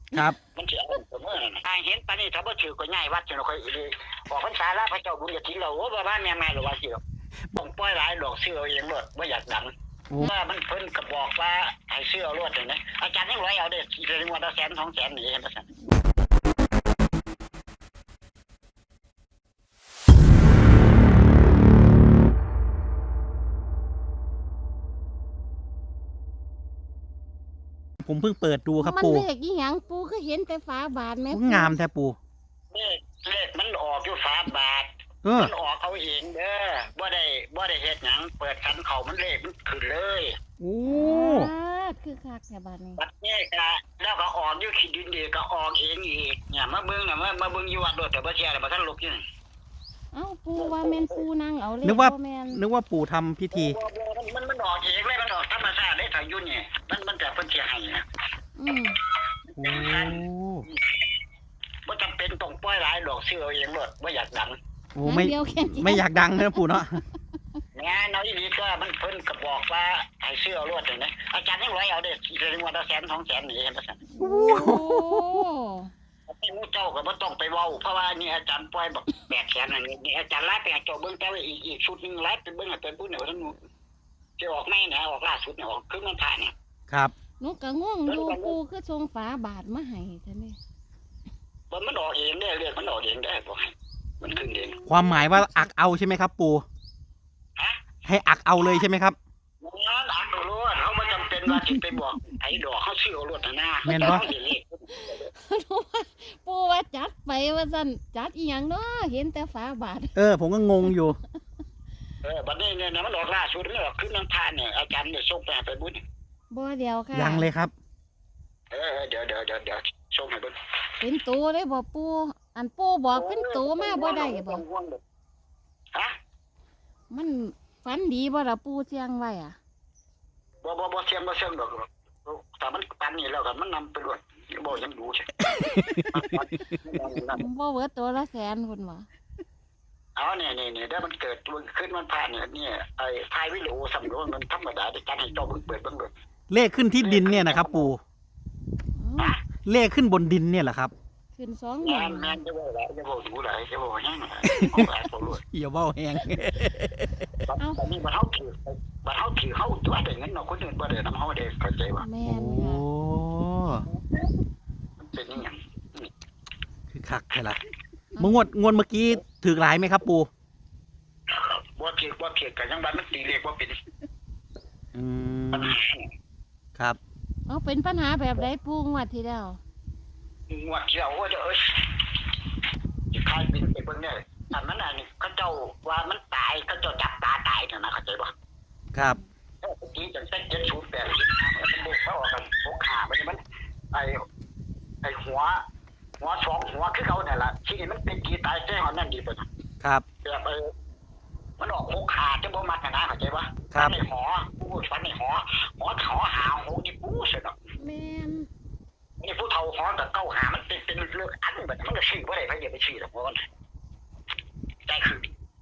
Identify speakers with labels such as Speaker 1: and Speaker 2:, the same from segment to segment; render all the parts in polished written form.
Speaker 1: ครับ
Speaker 2: มันจะเอาเสมอนะทางเห็นปานนี้ถ้าบ่ถือก็ง่ายวัดจะค่อยเลยออกพรรษาแล้วพระเจ้าบุญกฐินเราโอ้บ้านแม่หรือว่าสิบ่ปล่อยหลายดอกเสื้อเองรถบ่อยากดังว่ามันเพิ่นก็บอกว่าให้เสื้อรถนะอาจารย์ยังร้อยเอาเด้เรื่องว่า100,000 200,000นี่เห็นบ่ซั่น
Speaker 1: ผมเพิ่งเปิดดูครับ
Speaker 3: มัน
Speaker 1: ปู่
Speaker 3: เลขอีหยังปู่ก็เห็นแต่ฝาบาทแม่
Speaker 1: งามแท้ปู่
Speaker 2: เลขมันออกอยู่ฝาบาทมันออกเอาเองเด้อบ่ได้เฮ็ดหยังเปิดคันเขามันเลขมันขึ้นเลย
Speaker 1: โอ้
Speaker 3: คือคักแค่บาทนี้
Speaker 2: บัดนี้ก็แล้วก็ออกอยู่ขี้ดินดีก็ออกเองอีกเนี่ยมาเบิ่งน่ะมาเบิ่งอยู่วัดโดดแต่บ่เชื่อแล้วบ่ทันลุกอยู่
Speaker 3: เอ้าปู่ว่าแม่นปู่นั่งเอาเลข
Speaker 1: นึกว่าปู่ทำพิธี
Speaker 2: มันออกเองเลยมันออกธรรมชาติได้ทางยุ่นนี่มันแต่เพิ่นสิให้นะ
Speaker 1: โอ้
Speaker 2: บ่จำเป็นต้องปล่อยหลายดอกเสื้อเองรถบ่อยากดัง
Speaker 1: โอ้ไม่อยากดังนะปู่เนาะ
Speaker 2: งานเอาอีหลีก็มันเพิ่นก็บอกว่าให้เสื้อรถนี่นะอาจารย์ยังร้อยเอาเด้เรื่องว่า100,000 200,000นี่เห็นบ่ซั่น
Speaker 3: โอ้
Speaker 2: ไอ้หมู่เจ้าก็บ่ต้องไปเว้าเพราะว่านี่อาจารย์ปล่อยบัก800,000นั่นนี่อาจารย์ไล่ไปให้เจ้าเบิ่งแต่ว่าอีกชุดนึงไล่ไปเบิ่งให้เพิ่นพูดเนี่ยว่าท่านจะออกไม่นะออกล่าสุดเนี่ยออกคือมันผ่านเนี่ย
Speaker 1: ครับ
Speaker 3: หนูก็งงอยู่ปู่คือทรงฝาบาทมาให้ท่านนี่
Speaker 2: มันออกเองได้เรียกมันออกเองได้บ่ให้มันขึ้นเอง
Speaker 1: ความหมายว่าอักเอาใช่ไหมครับปู่ให้อักเอาเลยใช่ไหมครับ
Speaker 2: งานอักเอาล้วนเขาไม่จำเป็นว่าจะไปบอกไอ้ดอกเขาชื่อเอาล้วนหน้า
Speaker 1: แม่นบ่
Speaker 3: ปู่ว่าจัดไปว่าซั่นจัดอีหยังเนาะเห็นแต่ฝาบาท
Speaker 1: ผมก็งงอยู่
Speaker 2: บัดนี้เนี่ยมันออกล่าสุดมันออกขึ้นน้ำทานเนี่ยอาจารย์เนี่ยส่งไปบุญ
Speaker 3: บ่เดียวค่ะ
Speaker 1: ยังเลยครับ
Speaker 2: เดี๋ยวส่งให้บุญ
Speaker 3: เป็นตัวเลยบ่ปู่อันปู่บอกเป็นตัวมาบ่ได้บ่
Speaker 2: ฮะ
Speaker 3: มันฝันดีบ่ล่ะปู่เสียงไว้อ่ะ
Speaker 2: บ่เสียงดอกแต่มันปันนี่แล้วกันมันนำไปด้วยบ่ยังดูใช่
Speaker 3: บ่เบิดตัวละแสนพุ่นบ่
Speaker 2: เนี่ยได้มันเกิดขึ้นมันผ่านเนี่ยไอ้ทายวิโรสำรวจมันธรรมดาในการให้เจ้าเปิดเบิ่งเลย
Speaker 1: เลขขึ้นที่ดินเนี่ยนะครับปู่เลขขึ้นบนดินเนี่ยแหละครับ
Speaker 3: ขึ้น2หมื่น
Speaker 2: แม่นจะบอกหลายจะบอกดูหลายจะบอกแห้งหลายตัวรวย
Speaker 1: อย่าเว้าแห้ง
Speaker 2: ตอนนี้มันเฮาถือเฮาตัวได้เงินเนาะคนอื่นบ่ได้นำเฮาได้เข้าใจว่า
Speaker 3: แม่นค่ะ
Speaker 2: มันเป็นอย่าง
Speaker 1: คือคักใช่ล่ะงวดเมื่อกี้ถือหลายไหมครับปู่
Speaker 2: บ่เขียนกันยังบ้านมันตีเลขบ่เป็น
Speaker 1: ครับ
Speaker 3: เอาเป็นปัญหาแบบใดปู่งวดที่แล้ว
Speaker 2: งวดที่แล้วว่าจะจะคายบินไปเบิ่งได้อันนั้นน่ะนี่เขาเจ้าว่ามันตายเขาเจ้าจับตาตายนะเข้าใจบ่
Speaker 1: ครับ
Speaker 2: เมื่อกี้จัง708มันบ่เข้ากัน6ขามันไอ้หัว2หัวคือเขาเนี่ยล่ะที่นี่มันเป็นกีตายแท้ของนั่นดีเพิ่น
Speaker 1: ครับ
Speaker 2: แบบมันออก6ขาจังบ่มักนะเข้าใจบ่
Speaker 1: ครับ
Speaker 2: ในหอผู้ฟันในหอหา6นี่ปูซะดอก
Speaker 3: แม่น
Speaker 2: นี่ผู้เฒ่าหอกับเก้าหามันเป็นเรื่องอันแบบมันก็ชื่อบ่ได้ไผอย่าไปชื่อดอกบ่ได้คือ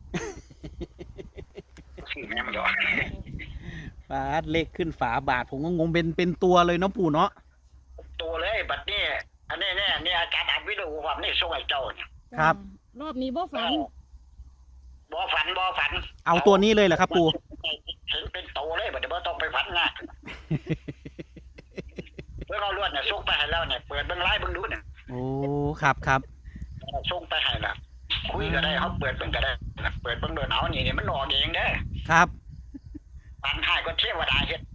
Speaker 2: ชื่อแม่มันดอก
Speaker 1: ฝาเลขขึ้นฝาบาทผมก็งงเป็นตัวเลยเนาะปู่เนาะ
Speaker 2: ตัวเลยบัดนี้อันนี้เนี่ยอาจารย์อัดวิดีโอความนี่ส่งให้เจ้าเนี่ย
Speaker 1: ครับ
Speaker 3: รอบนี้บ่ฝัน
Speaker 1: เอาตัวนี้เลยเหรอครับปู่
Speaker 2: เห็นเป็นโตเลยบัดนี้บ่ต้องไปฝันนะเมื่อเราลวดเนี่ยส่งไปให้แล้วเนี่ยเปิดเบิ่งไลฟ์เบิ่งดูเนี่ย
Speaker 1: โอ้ครับ
Speaker 2: ส่งไปให้ล่ะคุยก็ได้เขาเปิดเบิ่งก็ได้เปิดเบิ่งเดินเอานี่มันออกเองเด้อ
Speaker 1: ครับ
Speaker 2: ปันให้ก็เทวดาเฮ็ด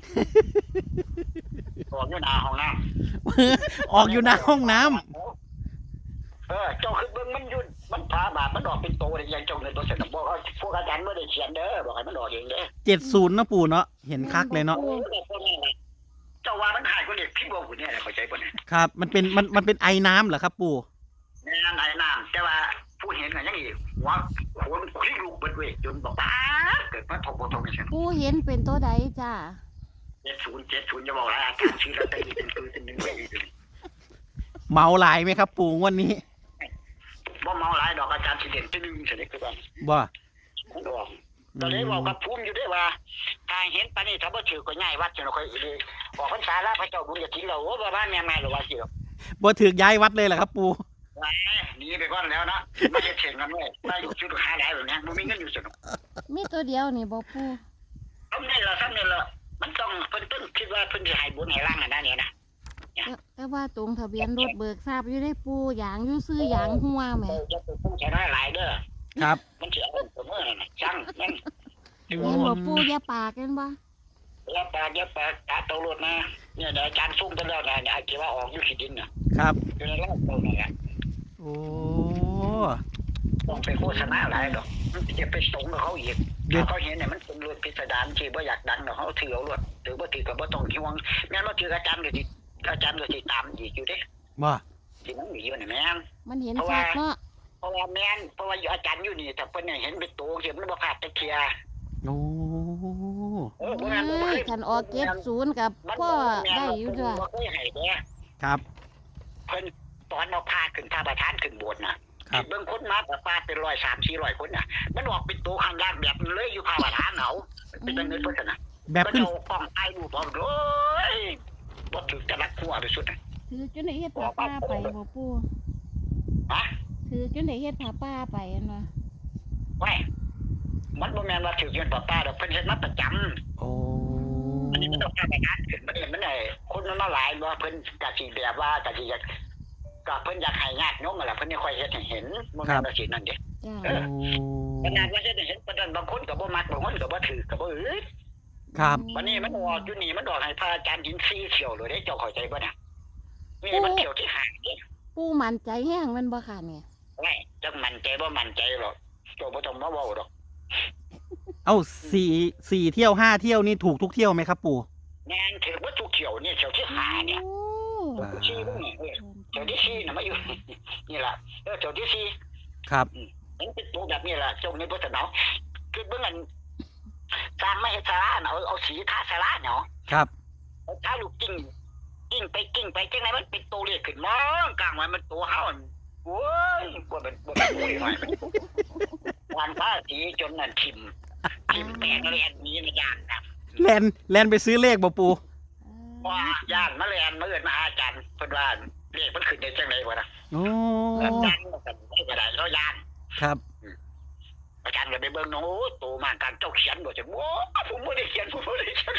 Speaker 2: ออกอยู่หน้าห้องน้
Speaker 1: ำออกอยู่หน้าห้องน้ำ
Speaker 2: เจ้าคือเบิ่งมันอยู่มันพาบาปมันออกเป็นโตได้ยังเจ้าเงินตัวเสร็จบอกว่าพวกอาจารย์บ่ได้เขียนเด้อบอกให้มันออกเองเด้อ
Speaker 1: 70นะปู่เนาะเห็นคักเลยเนาะ
Speaker 2: เจ้าว่ามันหายก็เรียกพี่บ่หุ่นเนี่ยเข้าใจบ่เนี่ย
Speaker 1: ครับมันเป็นไอน้ำเหรอครับปู่
Speaker 2: แม่นไอน้ำแต่ว่าผู้เห็นก็ยังอีกหัวคนคลิกลูกเบิดเว้ยจนบอกป้าเกิดมาทบนี่ซั่น
Speaker 3: ปู่เห็นเป็นตัวใดจ้า
Speaker 2: 70จะบอกหลายอาจารย์ชื่อลอตเตอรี่เป็นปืนเป็น1ใบ
Speaker 1: เมาหลายไหมครับปู่วันนี้
Speaker 2: บ่เมาหลายดอกอาจารย์สิเด่นที่1เสร็จคือกัน
Speaker 1: บ่
Speaker 2: มันออกก็เลยบอกกับภูมิอยู่ด้วยว่าทางเห็นปานนี้ถ้าบ่ถือก็ง่ายวัดจะค่อยออกพรรษาแล้วพระเจ้าบุญกฐินเราโอ้บ้านแม่หรือว่าสิ
Speaker 1: บ่ถือย้ายวัดเลยเหรอครับปู่
Speaker 2: หนีไปก่อนแล้วนะไม่จะเถียงกันเลยได้อยู่ชุดหาได้แบบนี้มันมีเงินอยู่สนุก
Speaker 3: มีตัวเดียวนี่บ่ปู
Speaker 2: ซ้ำนี่ละมันต้องเพิ่นต้นคิดว่าเพิ่นจะให้บุญให้ร่างกันได้เนี่ยนะ
Speaker 3: แต่ว่าตรงทะเบียนรถเบิกทราบอยู่ได้ปูอย่างอยู่ซื้ออย่างหัวแหม
Speaker 2: จะเป็นผู้ใช้น้อยหลายเด้อ
Speaker 1: ครับ
Speaker 2: มันจะเอาตัวเมื่อน่ะช่างมัน
Speaker 3: เห็นบ่ปูอย่าปากกันบ่
Speaker 2: เยอะปากตาโตรถนะเนี่ยอาจารย์ซุ่มกันแล้วนะไอ้ที่ว่าออกอยู่ขี้ดินน่ะ
Speaker 1: ครับ
Speaker 2: อยู่ในร่างเราเนี่ย
Speaker 1: โอ้
Speaker 2: ต้องไปโฆษณาหลายดอกมันจะไปสงกับเขาอีกถ้าเขาเห็นเนี่ยมันเป็นรถพิสดารที่บ่อยากดังเนาะเขาถือเอารถถือบ่ถือก็บ่ต้องห่วงแม่นบ่ถืออาจารย์ก็สิตามอีกอยู่เด้
Speaker 1: บ่
Speaker 2: สิมันมีอยู่นี่แม่น
Speaker 3: มันเห็นชัดเนาะ
Speaker 2: เพราะว่าอาจารย์อยู่นี่แต่เพิ่นเนี่ยเห็นเป็นตัวเห็นมันบ่พลาดตะเคีย
Speaker 1: โอ้
Speaker 2: บ่งั้นบ่เคย
Speaker 3: คันออก70กับพ่อได้อยู่จ้ะ
Speaker 2: บ่เคยให้เด้
Speaker 1: ครับ
Speaker 2: เพิ่นตอนเอาพาขึ้นพาประธานขึ้นโบสถ์น่ะเบิ่งคนมาประมาณเป็น100-400คนน่ะมันออกเป็นตัวข้างล่างแบบนั้นเลยอยู่พาประธานเอาเป็นจังได๋เพิ่นน่ะ
Speaker 1: แบบขึ้น
Speaker 2: เอากล้องถ่ายรูปเอาโอ้ยบ่ถึกจะรักหัวไปสุดน่ะ
Speaker 3: ถือจนได้เฮ็ดผ้าป้าไปบ่ปู
Speaker 2: ฮะ
Speaker 3: ถือจนได้เฮ็ดผ้าป้าไปอันว่า
Speaker 2: ไว้มันบ่แม่นว่าถึกเงินป้าดอกเพิ่นเฮ็ดมาประจำ
Speaker 1: โอ้
Speaker 2: อันนี้มันต้องการประกันขึ้นมันได้คนมันมาหลายว่าเพิ่นก็สิแบบว่าก็สิอยากก็เพิ่นอยากให้ญาติโยมนั่นล่ะเพิ่นนี่ค่อยเฮ็ดให้เห็นบ่แม่นว่าสินั่นเด้
Speaker 3: จ้า
Speaker 1: โอ้
Speaker 2: ขนาดว่าเฮ็ดให้เห็นปานนั้นบางคนก็บ่มักบางคนก็บ่ถือก็บ่อึด
Speaker 1: ครับ
Speaker 2: วันนี้มันออกอยู่นี่มันออกให้พระอาจารย์หิน4เที่ยวเลยเด้เจ้าเข้าใจบ่เนี่ยนี่มันเที่ยวที่5นี่
Speaker 3: ปูมั่นใจแห้งแมันบ่ค่ะเนี่ย
Speaker 2: ไว้จักมั่นใจบ่มั่นใจหรอกเจ้าบ่ต้องมาเว้าดอก
Speaker 1: เอ้าสี่เที่ยว5เที่ยวนี่ถูกทุกเที่ยวไหมครับปู่
Speaker 2: แม่นถือว่าทุกเที่ยวนี่เที่ยวที่5เนี่ย
Speaker 3: โอ้
Speaker 2: เที่ยวที่4นี่เที่ยวที่4น่ะมาอยู่ นี่ล่ะเที่ยวที่4
Speaker 1: ครับ
Speaker 2: มันเป็นตัวแบบนี้แหละจงในพุทธเนาะคือเบื้องอันสร้างไม่ให้สาระเนาะเอาสีทาสาระเนาะ
Speaker 1: ครับ
Speaker 2: เอาทาลูกกิ้งไปจังไหนมันเป็นตัวเรียกขึ้นมองกลางไว้มันตัวเฮาโว้ยบ่เป็นตัวหน่อยวันพระสีจนนั่นทิมแตกแลนนี้ในย่านนะ
Speaker 1: แลนไปซื้อเลขบ่ปู่
Speaker 2: ว่าย่านมาแลนมาเอิ้นมาหาอาจารย์เพิ่นว่าเลขมันขึ้นได้จังได๋วะนะ
Speaker 1: โอ้
Speaker 2: อาจารย์ก็ได้เราย่าน
Speaker 1: ครับ
Speaker 2: อาจารย์ก็ไปเบิ่งโอ้โตมากการเจ้าเขียนบ่จังโอ้ผมบ่ได้เขียนผมบ่ได้เขียน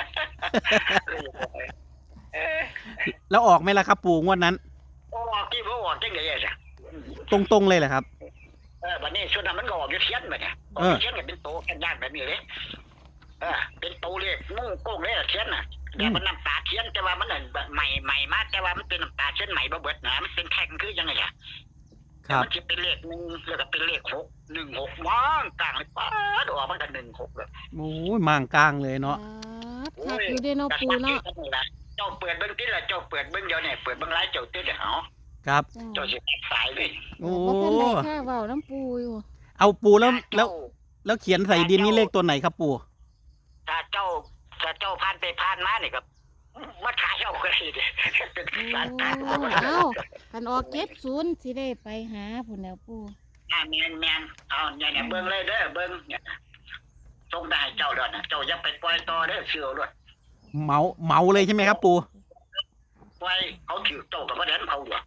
Speaker 1: แล้วออกไหมล่ะครับปู่งวดนั้น
Speaker 2: ออกที่บ่ออกจังได๋อ่ะ
Speaker 1: ตรงเลยเหรอครับ
Speaker 2: บัดนี้ชุดนั้นมันก็ออกอยู่เทียนบัดเนี่ยออกเทียนก็เป็นโตแค่ย่านแบบนี้เลยเป็นโตเลขมุ่งโก้งเลยเทียนน่ะแต่มันน้ำตาเทียนแต่ว่ามันน่ะใหม่มาแต่ว่ามันเป็นน้ำตาเทียนใหม่บ่เบิดนะมันเป็นแท่งคือยังไงอ่ะ
Speaker 1: ครับ
Speaker 2: มันสิเป็นเลข1แล้วก็เป็นเลข6 16มองกลางเลยป๊าดออกมันก็16เลย
Speaker 1: โอ้ยมางกลางเลยเนาะ
Speaker 3: ชัดอยู่เด้เนาะปูเนาะ
Speaker 2: เจ้าเปิดเบิ่งติล่ะเจ้าเปิดเบิ่งเดี๋ยวนี้เปิดเบิ่งไลฟ์เจ้าติเด้อ
Speaker 1: ครับ
Speaker 2: เจ้าสิตัดสายเลย
Speaker 1: โอ้
Speaker 3: บ่ทันได้ค่าเว้าน้ำปูอยู่
Speaker 1: เอาปู่แล้วเขียนใส่ดินนี่เลขตัวไหนครับปู่
Speaker 2: ถ้าเจ้าผ่านไปผ่านมานี่ก็มาขายเอาก็ได้เด้เป็น
Speaker 3: โอ้
Speaker 2: สารตา
Speaker 3: เอ้าคันออก70สิได้ไปหาพุ่นแล้วปู
Speaker 2: แม่นเอาเนี่ยเบิ่งเลยเด้อเบิ่งเนี่ยส่งได้เจ้าดอกนะเจ้าอย่าไปปล่อยต่อเด้อเชื่อด้วย
Speaker 1: เมาเลยใช่ไหมครับปู่
Speaker 2: ปล่อยเขาถือเจ้าก็บ่ได้เขาอยู่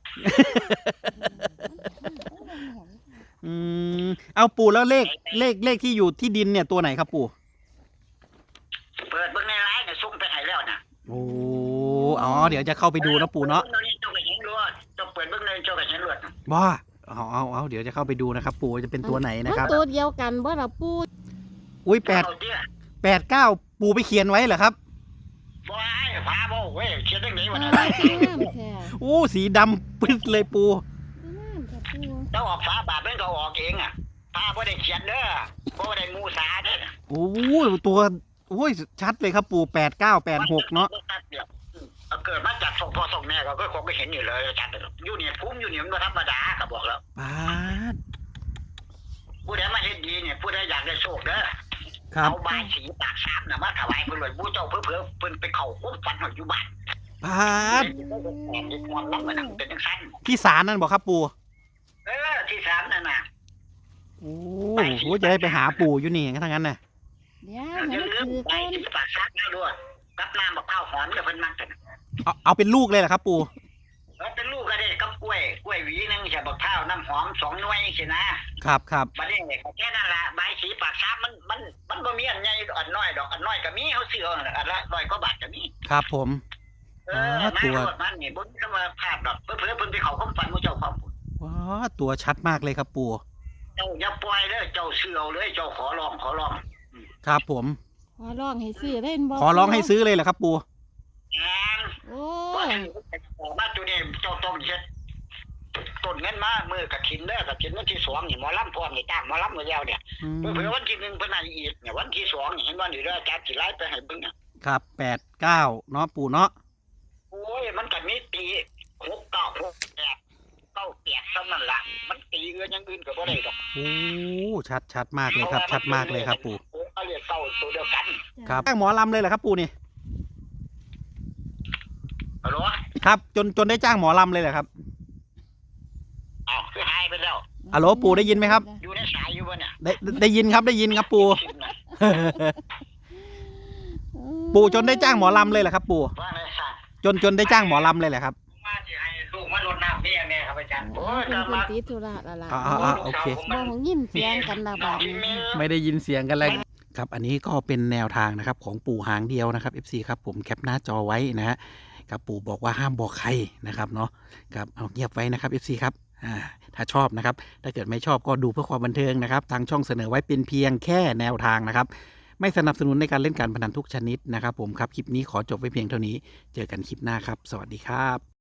Speaker 1: เอาปู่แล้วเลขที่อยู่ที่ดินเนี่ยตัวไหนครับปู่
Speaker 2: เปิดเบิ่งในไลน์เนี่ยส่งไปให้แล้วนะ
Speaker 1: โอ้อ๋อเดี๋ยวจะเข้าไปดูนะปู่เนาะ
Speaker 2: เจ้าก็เห็นรวดเจ้าเปิดเบิ่งเลยเจ้าก็เห็นรวด
Speaker 1: ว้าเอาเดี๋ยวจะเข้าไปดูนะครับ ปู่จะเป็นตัวไหนนะครับ
Speaker 3: มันตัวเดียวกันบ่ล่ะปู
Speaker 1: อุ้ย
Speaker 2: เอาเด้อ
Speaker 1: 8 9ปู่ไปเขียนไว้เหรอครับ
Speaker 2: บ่ให้พาบ่เว้ยเขียนจังได๋วะ
Speaker 3: งา
Speaker 2: นะ
Speaker 3: มแท้
Speaker 1: โอ้สีดำปึ๊ดเลยปู่
Speaker 3: งามแท้ปู
Speaker 2: เจ้าออกฝาบาทมันก็ออกเองอ่ะพาบ่ได้เขียนเด้อบ่ได้มูสาเด้อ
Speaker 1: โอ้ตัวโอ้ยชัดเลยครับปู่8986เนาะ
Speaker 2: เกิดมาจากส่งพ่อส่งแม่ก็คงก็เห็นอยู่เลยอาจารย์อยู่เนี่ยภูมิอยู่เนี่ยมันธรรมดาก็บอกแล้ว
Speaker 1: ปาด
Speaker 2: ผู้ใดมาเฮ็ดดีเนี่ยผู้ใดอยากได้โชคเด้อ
Speaker 1: ครับ
Speaker 2: เอาบายสีปากซ้ำน่ะมาถวายเพิ่นเลยผู้เจ้าเพิ่นเพิ่นไปเข้าคุ้มฝันอยู่บ้าน
Speaker 1: ปาด
Speaker 2: เป็นความลับมันเป็นจังซั่น
Speaker 1: ที่ศาลนั่นบอกครับปู่
Speaker 2: ที่3นั่นน่ะ
Speaker 1: โอ้โหจะได้ไปหาปู่อยู่นี่ถ้างั้นน่ะ
Speaker 3: เดี๋ยว
Speaker 2: อย่า
Speaker 3: ให้
Speaker 2: ลื
Speaker 3: มัน
Speaker 2: ม
Speaker 3: ถือ
Speaker 2: ใบ
Speaker 3: ก่อน
Speaker 2: สีปากซ้ำนะด้วยกับน้ำมะพร้าวหอมเนี่ยเพิ่นมักกัน
Speaker 1: เอาเป็นลูกเลยเหรอครับปู่
Speaker 2: เป็นลูวน้ำหอม2 หน่วยสินะครับ บัดนี้ก็แค่นั้นล่ะใบสีปากซ้ำมันบ่มีอันใหญ่อันน้อยดอกอันน้อยก็มีเขาซื้อเอาอันละ100 กว่าบาทก็มี
Speaker 1: ครับผม
Speaker 2: มา
Speaker 1: ตัว
Speaker 2: โลดมันนี่บ่มีคำว่าพลาดดอกเพิ่นเพิ่นไปเข้าความฝันหมู่เจ้าความ
Speaker 1: ว้าตัวชัดมากเลยครับปู่
Speaker 2: เจ้าอย่าปล่อยเด้อเจ้าซื้อเอาเลยเจ้าขอร้อง
Speaker 1: ครับผม
Speaker 3: ขอร้องให้ซื้อเล่นบ่
Speaker 1: ขอร้องให้ซื้อเลยเหรอครับปู่
Speaker 2: งาน
Speaker 3: โอ้
Speaker 2: ว่าออกมาตัวนี้เจ้าต้องเฮ็ดต้นเงินมามือกฐินเด้อกฐินวันที่2นี่หมอลำพร้อมนี่จ้างหมอลำมาแล้วเนี่ย
Speaker 1: อืม
Speaker 2: เผื่อวันที่1เพิ่นให้อีกเนี่ยวันที่2นี่เห็นว่านี่เด้ออาจารย์สิไล่ไปให้เบิ่งเนี่ย
Speaker 1: ครับ8-9เนาะปู่เนาะ
Speaker 2: โอ้ยมันก็มีตี6 9 6 8 9 8ซ้ำนั่นล่ะมันตีอย่างอื่นก็บ่ได้ดอก
Speaker 1: โอ้ชัดมากเลยครับ ชัดมากเลยครับปู่
Speaker 2: โอ้ก็เรียกเก้าตัวเดียวกัน
Speaker 1: ครับจ้างหมอลำเลยเหรอครับปู่นี่
Speaker 2: ฮัลโหล
Speaker 1: ครับจนได้จ้างหมอลำเลยเหรอครับ
Speaker 2: อ้าวคือหายไปแล้ว
Speaker 1: ฮัลโหลปู่ได้ยินไหมครับ
Speaker 2: อยู่ในสายอยู่บ่เนี่ย
Speaker 1: ได้ยินครับปู่ ปู่จนได้จ้างหมอลำเลยเหรอครับปู่
Speaker 2: ว่าไงซะ
Speaker 1: จนได้จ้างหมอลำเลยเหรอครับ
Speaker 2: มาสิให้ลูกมารดน้ำเมียแม่ครับอาจารย์โอ้ย
Speaker 3: เพิ่
Speaker 2: จะ
Speaker 3: นเพิ่น
Speaker 2: มา
Speaker 3: ติดธุระและล่ะ
Speaker 1: โอเค
Speaker 3: บ่ยินเสียงกันละบาดนี้
Speaker 1: ไม่ได้ยินเสียงกันเลยครับอันนี้ก็เป็นแนวทางนะครับของปู่หางเดียวนะครับ FC ครับผมแคปหน้าจอไว้นะฮะครับปู่บอกว่าห้ามบอกใครนะครับเนาะครับเอาเงียบไว้นะครับ FC ครับถ้าชอบนะครับถ้าเกิดไม่ชอบก็ดูเพื่อความบันเทิงนะครับทางช่องเสนอไว้เป็นเพียงแค่แนวทางนะครับไม่สนับสนุนในการเล่นการพนันทุกชนิดนะครับผมครับคลิปนี้ขอจบไว้เพียงเท่านี้เจอกันคลิปหน้าครับสวัสดีครับ